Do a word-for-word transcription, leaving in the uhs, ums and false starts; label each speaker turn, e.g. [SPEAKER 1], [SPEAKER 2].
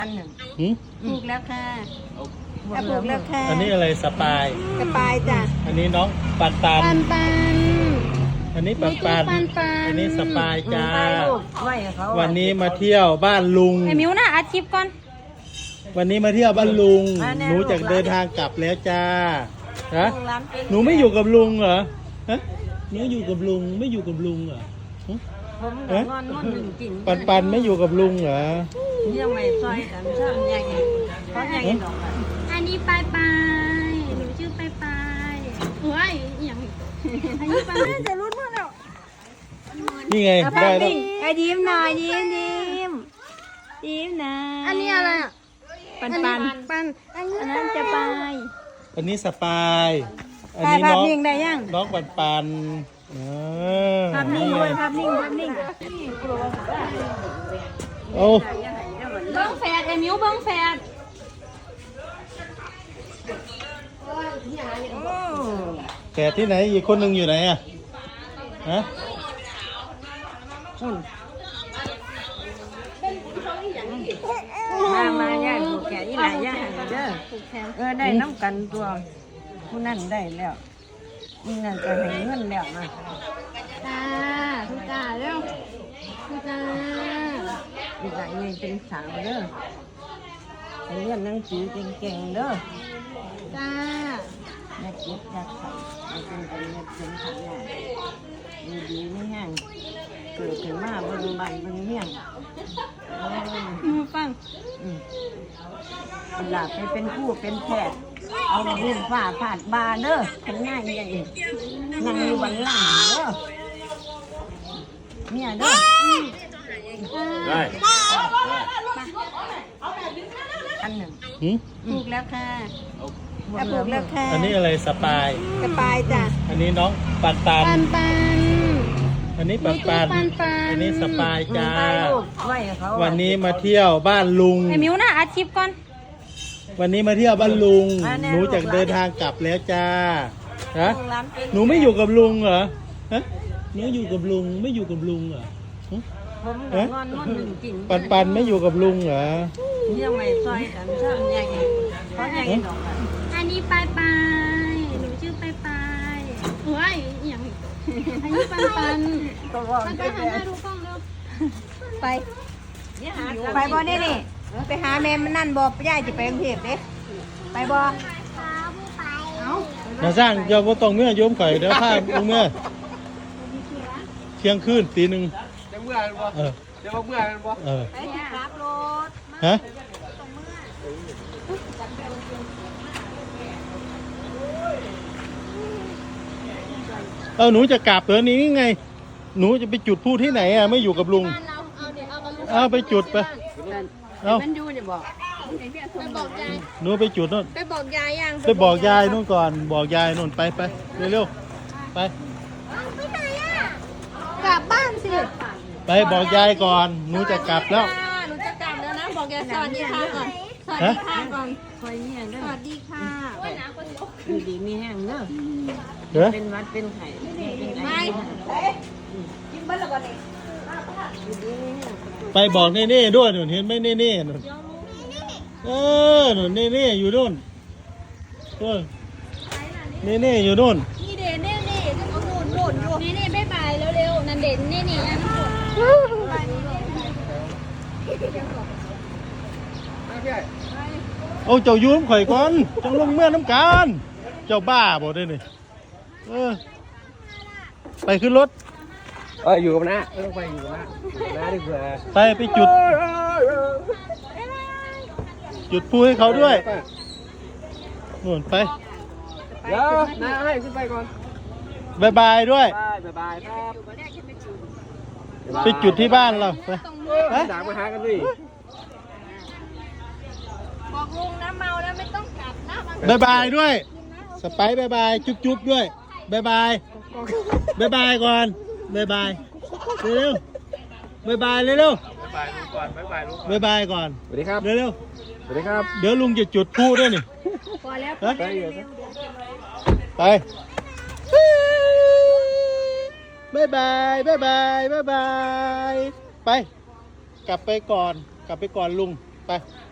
[SPEAKER 1] อันหนึ่ง
[SPEAKER 2] หืม
[SPEAKER 1] ถูกแล้วค่ะอ่ะถูกแล้วค่ะ
[SPEAKER 2] อันนี้อะไรสปาย
[SPEAKER 1] กระปายจ้ะ
[SPEAKER 2] อันนี้น้องปันปัน
[SPEAKER 3] ปันปัน
[SPEAKER 2] อันนี้ปันปัน
[SPEAKER 3] ปันปัน
[SPEAKER 2] อันนี้สปายจ้า
[SPEAKER 1] ไปลูกไหวเขา
[SPEAKER 2] วันนี้มาเที่ยวบ้านลุง
[SPEAKER 3] ไอ้มิวน่ะอัดคลิปก่อน
[SPEAKER 2] วันนี้มาเที่ยวบ้านลุง หนูจะเดินทางกลับแล้วจ้าฮะ
[SPEAKER 1] ร้านเป็น
[SPEAKER 2] หนูไม่อยู่กับลุงเหรอฮะหนูอยู่กับลุงไม่อยู่กับลุงเหรอหึ
[SPEAKER 1] ผมกับงอนงอนหนึ่งกิน
[SPEAKER 2] ปันปันไม่อยู่กับลุงเหรอ
[SPEAKER 1] ยังไม่ซอยกันช่างยังไงเพราะยังไงดอกอ่ะ
[SPEAKER 3] อันนี้ปลายปลายหนูชื่อปลายปลายเฮ้ยอหย่างนี้อันนี้ปลายปลายจะรุ่นมากแล้ว
[SPEAKER 2] นี่ไงได้แล้ว
[SPEAKER 1] ไอ้ยิ้มหน่อยยิ้มยิ้มยิ้มนะ
[SPEAKER 3] อันนี้อะไรอ่ะ
[SPEAKER 1] ปันปัน
[SPEAKER 3] ปันอันนี้
[SPEAKER 1] อันนั้นจะไป
[SPEAKER 2] อันนี้สปายอัน
[SPEAKER 1] ถ่าย
[SPEAKER 2] นี้
[SPEAKER 1] ภาพ
[SPEAKER 2] น้อง
[SPEAKER 1] นิ่งได้ยัง
[SPEAKER 2] น้องปันปันเออ
[SPEAKER 1] ภาพนิ่งด้วยภาพนิ่งภาพนิ่ง
[SPEAKER 2] โอ้
[SPEAKER 3] เบิ้งแฟดไอ้มิวเบิ้งแฟด
[SPEAKER 2] แขกที่ไหนอีกคนหนึ่งอยู่ไหนอ่ะฮะ
[SPEAKER 1] มามาย่าผูกแขนนี่ไหนย่าเด้อ
[SPEAKER 3] ผูกแขน
[SPEAKER 1] เออได้น้ำกันตัวผู้นั่นได้แล้วนี่นั่นจะให้เงินแล้วนะ
[SPEAKER 3] ตาทุกตาเร็วทุกตา
[SPEAKER 1] อีกหลายเงินเป็นสาวเด้อให้เรียนหนังสือเก่งๆเด้อ
[SPEAKER 3] ตา
[SPEAKER 1] อยากเก็บอยากใส่อยากเป็นเป็นอยากเป็นขันใหญ่ดีดีไม่แห้งเกิดขึ้นมาเบิ่งใบเบิ่งเมี่ยงเออ
[SPEAKER 3] มือฟัง
[SPEAKER 1] อืมเวลาไปเป็นผู้เป็นแพทย์เอาดินฝ่าผาดบาเด้อขันง่ายอย่างนี้นั่งอยู่บนหลังเด้อเนี่ยเด้อ
[SPEAKER 2] ได้
[SPEAKER 1] อันหนึ่ง
[SPEAKER 2] หืม
[SPEAKER 1] ถูกแล้วค่ะอ่ะถูกแล้วค่ะ
[SPEAKER 2] อันนี้อะไรสปาย
[SPEAKER 1] กระปายจ้ะ
[SPEAKER 2] อันนี้น้องปันปัน
[SPEAKER 3] ปันปัน
[SPEAKER 2] อันนี้ปันปัน
[SPEAKER 3] ปันปัน
[SPEAKER 2] อันนี้สปายจ้า
[SPEAKER 1] ไปลูกไหวเขา
[SPEAKER 2] วันนี้มาเที่ยวบ้านลุง
[SPEAKER 3] ไอ้มิวน่ะอัดคลิปก่อน
[SPEAKER 2] วันนี้มาเที่ยวบ้านลุง หนูจะเดินทางกลับแล้วจ้าฮะ
[SPEAKER 1] ร้านเป็น
[SPEAKER 2] หนูไม่อยู่กับลุงเหรอฮะหนูอยู่กับลุงไม่อยู่กับลุงเหรอหึ
[SPEAKER 1] ผมกับงอนงอนหนึ่งกิน
[SPEAKER 2] ปันปันไม่อยู่กับลุงเหรอ
[SPEAKER 1] ยังไม่ซอยกันช่างยังไงเพราะยังไงดอกอ่ะ
[SPEAKER 3] อันนี้ปลายปลายหนูชื่อปลายปลายเฮ้ยอหย่างนี้อันนี้ปันปัน
[SPEAKER 1] ตัวว่า
[SPEAKER 3] ปัน
[SPEAKER 1] ไป
[SPEAKER 3] ปันหันหน้าดูกล้องเร็ว
[SPEAKER 1] ไปไปบ่ได้นี่ไปหาแม่มันนั่นบ่ย่าจะไปกรุงเทพเด้ไปบ่
[SPEAKER 2] นาสร้างเจ้าพ่ต้องเมื่อโยมข่อยเดี๋ยวพาลงเมื่อเที่ยงคืนตีหนึ่ง
[SPEAKER 4] จะเมื่อกันบ่
[SPEAKER 2] เออ
[SPEAKER 4] จะมาเมื่อกันบ่
[SPEAKER 2] เออ
[SPEAKER 1] ไปที่รับรถ
[SPEAKER 2] ฮะเอาหนูจะกลับเหรอนี้ไง หนูจะไปจุดพูดที่ไหนอ่ะไม่อยู่กับลุง
[SPEAKER 3] บ้านเราเอาเดี๋ยวเอากับลูก
[SPEAKER 2] เอาไปจุดไปเอา
[SPEAKER 1] มันอยู่เนี่ยบอก
[SPEAKER 3] ไปบอกยาย
[SPEAKER 2] หนูไปจุดนู่น
[SPEAKER 3] ไปบอกยายยัง
[SPEAKER 2] ไปบอกยายนู่นก่อน บอกยายนู่นไปไปเร็วๆไป
[SPEAKER 3] ไปไหนอ่ะกลับบ้านสิ
[SPEAKER 2] ไปบอกยายก่อนหนูจะกลับแล้ว
[SPEAKER 3] หนูจะกลับแล้วนะบอกยายสวัสดีค่ะก่อนสวัส
[SPEAKER 2] ฮะ
[SPEAKER 3] ดีค่ะก่อน
[SPEAKER 1] คอยเนี่ยเด้
[SPEAKER 3] ส
[SPEAKER 1] อ
[SPEAKER 3] วัสดีค่ะ
[SPEAKER 1] อยู่ดีมีแห้งเด้อ
[SPEAKER 2] เด้อ
[SPEAKER 1] เป็นวัดเป็นไข่เป็นไข่
[SPEAKER 2] ไปบอกเน่ๆด้วยหนูเห็นไหมเน่ๆหนูเออหนูเน่ๆอยู่นู่นเออเน่ๆอยู่นู่น
[SPEAKER 3] นี่เด่นเน่นี่จะเอาหมุนหมุนอยู่นี่นี่บ๊ายบายเร็วๆนั่นเด่นนี่นี่นั่น
[SPEAKER 2] เอาเจ้าอยืมข่อยก่อนจังลงเมื่อน้ำการเจ้าบ้าบ่ได้นี่เออไปขึ้นรถ
[SPEAKER 4] เอออยู่กับน้าไม่ต้องไปอยู่กับน้าอยู่กับน้าดีกว่า
[SPEAKER 2] ไปไปจุด จุดพูให้เขาด้วยนู่นไป
[SPEAKER 4] เดี๋ยวน้าให้ขึ้นไปก่อน
[SPEAKER 2] บายบายด้วย
[SPEAKER 4] บายบายบายครับ
[SPEAKER 2] ไปจุดที่บ้านเราไป
[SPEAKER 4] ไปด่างมาหากันดิ
[SPEAKER 3] บอกลุงนะเมาแล้วไม่ต้องกลับนะ
[SPEAKER 2] บายบายด้วยสไปซ์บายบายจุ๊บจุ๊บด้วยบายบายบายบายก่อนบายบายเร็วๆบายบายเร็ว
[SPEAKER 4] บายลูกก่อนบายบายลูก
[SPEAKER 2] ๆบายบายก่อน
[SPEAKER 4] สวัสดีครับ
[SPEAKER 2] เร็ว
[SPEAKER 4] สวัสดีครับ
[SPEAKER 2] ๆเดี๋ยวลุงจะจุดพูด้วยนี่
[SPEAKER 3] พอแล้ว
[SPEAKER 2] ฮะ
[SPEAKER 4] ไปอยู่นะ
[SPEAKER 2] ไปบายบายบายบายบายบายไป กลับไปก่อน กลับไปก่อนลุง ไป
[SPEAKER 3] ไ